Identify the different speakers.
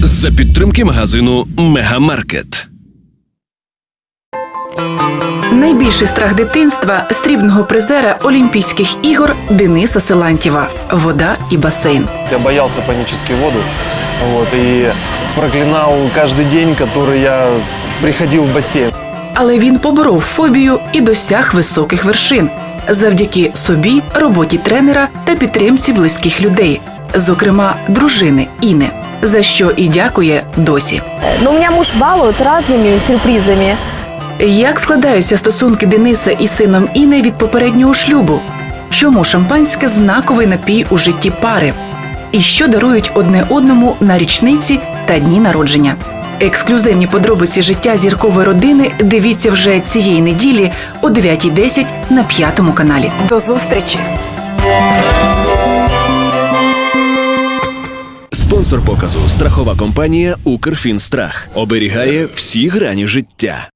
Speaker 1: За підтримки магазину «Мегамаркет».
Speaker 2: Найбільший страх дитинства – срібного призера Олімпійських ігор Дениса Силантьєва – вода і басейн.
Speaker 3: Я боялся панически воду, и проклинал каждый день, который я приходил в бассейн.
Speaker 2: Але він поборов фобію і досяг високих вершин завдяки собі, роботі тренера та підтримці близьких людей, зокрема дружини Іни, за що і дякує досі.
Speaker 4: Но меня муж балует разными сюрпризами.
Speaker 2: Як складаються стосунки Дениса із сином Іни від попереднього шлюбу? Чому шампанське – знаковий напій у житті пари? І що дарують одне одному на річниці та дні народження? Ексклюзивні подробиці життя зіркової родини дивіться вже цієї неділі о 9:10 на 5-му каналі. До зустрічі!
Speaker 1: Спонсор показу – страхова компанія «Укрфінстрах». Оберігає всі грані життя.